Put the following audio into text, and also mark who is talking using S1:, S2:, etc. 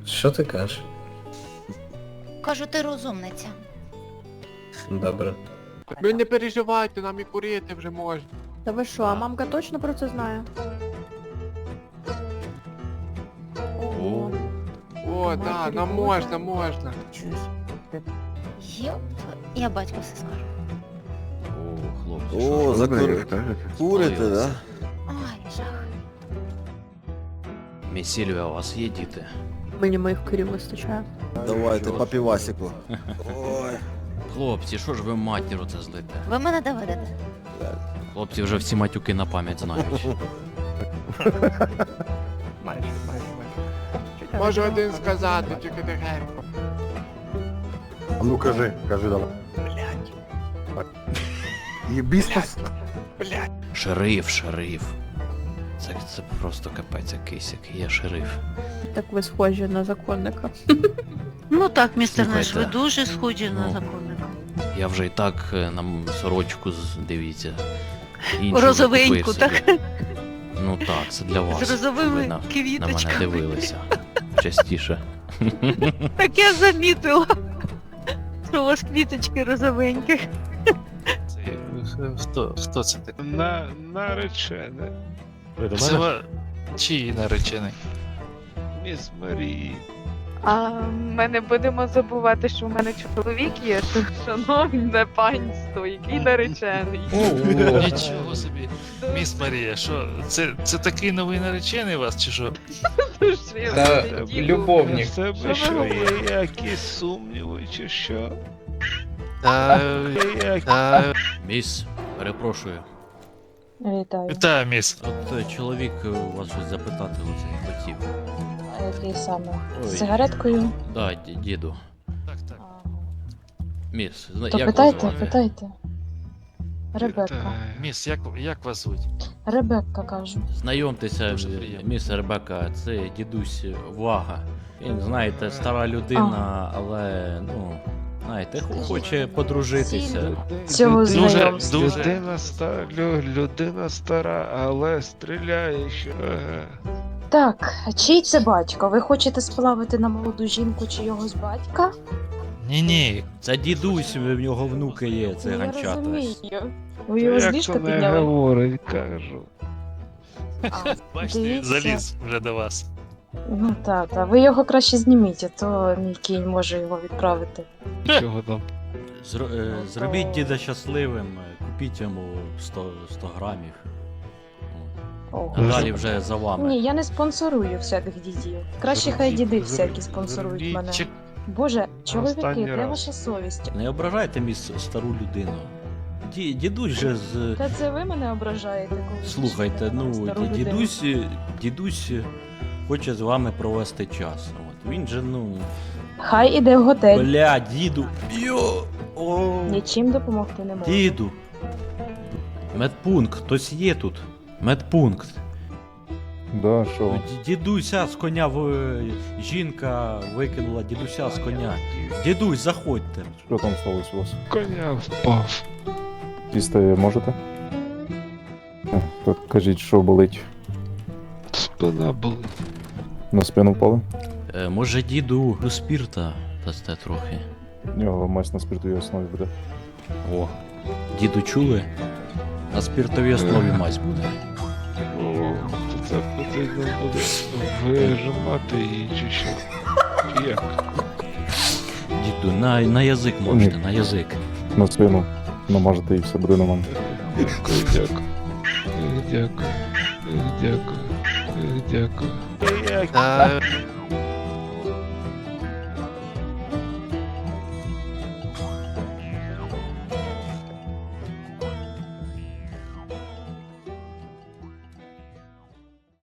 S1: Що ти кажеш?
S2: Кажу, ти розумниця.
S1: Добре.
S3: Ви не переживайте, нам і курити вже можна.
S4: Та ви що, а мамка точно про це знає? Ого.
S3: О, да, нам можна, можна.
S2: Йоп, я батьку все скажу.
S5: О, хлопці,
S6: О, курите, да?
S2: Ой, жах.
S5: Мій Сільвія, у вас є діти?
S4: Мені моїх курів вистачає.
S6: Давайте по півасику. Ой.
S5: Хлопці, що ж ви матіру це злите?
S2: Ви мене доведете.
S5: Хлопці вже всі матюки на пам'ять знають.
S3: Можу один сказати, тільки тихенько.
S7: А ну кажи давай. Єбісь нас.
S5: Шериф. Це просто капець якийсь, який є шериф.
S4: Так ви схожі на законника.
S8: Ну так, містер Неш, ви
S5: Слухайте,
S8: дуже схожі на
S5: ну,
S8: законника.
S5: Я вже і так на сорочку, дивіться. іншу
S8: Розовеньку,
S5: закупив
S8: так?
S5: собі. Ну так, це для вас.
S8: З розовими
S5: Ви на мене
S8: квіточками.
S5: дивилися частіше.
S8: Так я замітила, що у вас квіточки розовенькі.
S9: Хто це такий?
S10: Наречене.
S9: Ви до мене? Чиї наречений?
S10: Міс Марії.
S11: А ми не будемо забувати, що в мене чоловік є, шановне панство, який наречений.
S9: Нічого собі. Міс Марія, що, це такий новий наречений у вас, чи що?
S10: Любовник. В тебе
S11: Що
S10: що
S11: ви
S10: є якісь сумніви, чи що?
S5: Міс, перепрошую.
S11: Вітаю.
S9: Вітаю, міс.
S5: От чоловік у вас щось запитати оце хотів.
S11: Який саме?
S5: Ой.
S11: З сигареткою?
S5: Да, діду.
S9: Так.
S5: Міс,
S11: То
S5: як
S11: питайте,
S5: вас звати?
S11: питайте. Ребекка.
S9: Міс, як вас звуть?
S11: Ребекка, кажу.
S5: Знайомтеся,
S9: Дуже приємно.
S5: міс Ребека, це дідусь Вага. Він, знаєте, стара людина, але, ну, знаєте, хоче подружитися.
S11: Цього знайомства.
S10: Людина стара, але стріляє ще. Ага.
S11: Так, а чий це батько? Ви хочете сплавити на молоду жінку чийогось батька?
S9: Ні.
S5: Це дідусь, в нього внуки є, це
S11: Я
S5: ганчата.
S11: розумію. Ви його з
S10: Як
S11: ліжка
S10: то не
S11: підняли?
S10: говорить, кажу.
S11: А,
S9: Бачите,
S11: дивіться.
S9: заліз вже до вас.
S11: Ну та, ви його краще зніміть, а то мій кінь може його відправити.
S10: Чого там?
S5: Зробіть діда щасливим, купіть йому 100 грамів.
S11: О.
S5: А далі вже за вами.
S11: Ні, я не спонсорую всяких дідів. Краще хай діди всякі спонсорують мене. Боже, чоловіки,
S10: Останній
S11: де
S10: раз.
S11: ваша совість?
S5: Не ображайте стару людину. Дідусь же з...
S11: Та це ви мене ображаєте, коли
S5: Слухайте,
S11: кричите на
S5: ну,
S11: стару людину.
S5: дідусь хоче з вами провести час. От. Він же, ну...
S11: Хай іде в готель.
S5: Бля, діду! Йо! О!
S11: Нічим допомогти не можу.
S5: Діду! Медпункт, хтось є тут? Медпункт.
S7: Да, що?
S5: Дідуся з коня жінка викинула дідуся з коня. Дідусь, заходьте.
S7: Що там сталося у вас?
S10: Коня впав.
S7: Їсти можете? Так, кажіть, що болить?
S10: Спина болить.
S7: На спину впали?
S5: Може діду до спірта дасте трохи.
S7: У нього мазь на спиртовій основі буде.
S5: О, діду чули? На спіртовій основі мазь буде.
S10: О, то це потрібно буде вижимати її, чи що? Чи як?
S5: Діду, на язик можете, на язик.
S7: На спину намажете і все буде нормально.
S10: Дякую. Дякую. Дякую. Дякую.
S9: Та